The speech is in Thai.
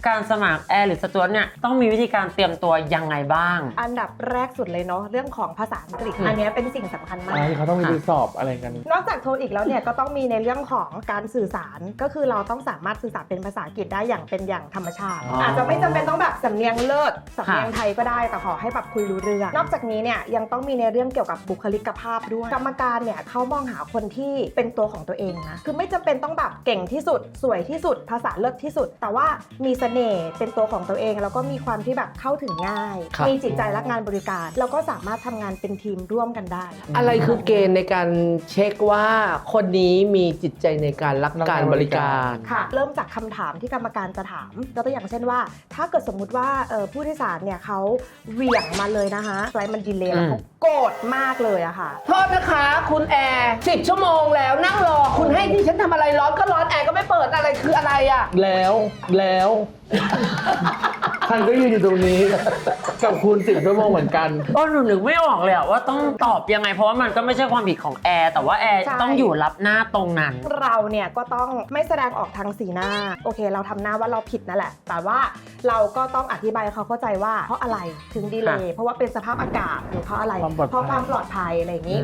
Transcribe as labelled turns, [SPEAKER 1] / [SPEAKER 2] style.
[SPEAKER 1] การสมัครแอร์หรือสจ๊วตเนี่ยต้องมีวิธีการเตรียมตัวยังไงบ้าง
[SPEAKER 2] อันดับแรกสุดเลยเนาะเรื่องของภาษาอังกฤษอันนี้เป็นสิ่งสำคัญมาก
[SPEAKER 3] เขาต้องมีไปสอบอะไรกัน
[SPEAKER 2] นอกจากโทอีกแล้วเนี่ยก็ต้องมีในเรื่องของการสื่อสารก็คือเราต้องสามารถสื่อสารเป็นภาษาอังกฤษได้อย่างเป็นอย่างธรรมชาติอาจจะไม่จำเป็นต้องแบบสำเนียงเลิศสำเนียงไทยก็ได้แต่ขอให้แบบคุยรู้เรื่องนอกจากนี้เนี่ยยังต้องมีในเรื่องเกี่ยวกับบุคลิกภาพด้วยกรรมการเนี่ยเขามองหาคนที่เป็นตัวของตัวเองนะคือไม่จำเป็นต้องแบบเก่งที่สุดสวยที่สุดภาษาเลิศที่สุดแต่ว่ามีเสน่ห์เป็นตัวของตัวเองแล้วก็มีความที่แบบเข้าถึงง่ายมีจิตใจรักงานบริการแล้วก็สามารถทำงานเป็นทีมร่วมกันได้
[SPEAKER 4] อะไรคือเกณฑ์ในการเช็คว่าคนนี้มีจิตใจในการรักการบริการ
[SPEAKER 2] ค่ะเริ่มจากคำถามที่กรรมการจะถามยกตัวอย่างเช่นว่าถ้าเกิดสมมุติว่าผู้โดยสารเนี่ยเขาเหวี่ยงมาเลยนะคะไฟล์มันดีเลย์แล้วเขาโกรธมากเลยอะค่ะ
[SPEAKER 4] โทษนะคะคุณแอร์10 ชั่วโมงแล้วนั่งรอคุณให้ที่ฉันทำอะไรร้อนก็ร้อนแอร์ก็ไม่เปิดอะไรคืออะไรอะ
[SPEAKER 3] แล้วฉันก็ยืนอยู่ตรงนี้กับคุณ10 ชั่วโมงเหมือนกัน
[SPEAKER 1] หนูนึกไม่ออกเลยว่าต้องตอบยังไงเพราะว่ามันก็ไม่ใช่ความผิดของแอร์แต่ว่าแอร์
[SPEAKER 2] ใช่
[SPEAKER 1] ต้องอยู่รับหน้าตรงนั้น
[SPEAKER 2] เราเนี่ยก็ต้องไม่แสดงออกทางสีหน้าโอเคเราทำหน้าว่าเราผิดนั่นแหละแต่ว่าเราก็ต้องอธิบายให้เขาเข้าใจว่าเพราะอะไรถึงดีเลย์เพราะว่าเป็นสภาพอากาศหรือเพราะอะไร
[SPEAKER 3] ความปลอดภัย
[SPEAKER 2] เพราะความปลอดภัยอะไรอย่างนี้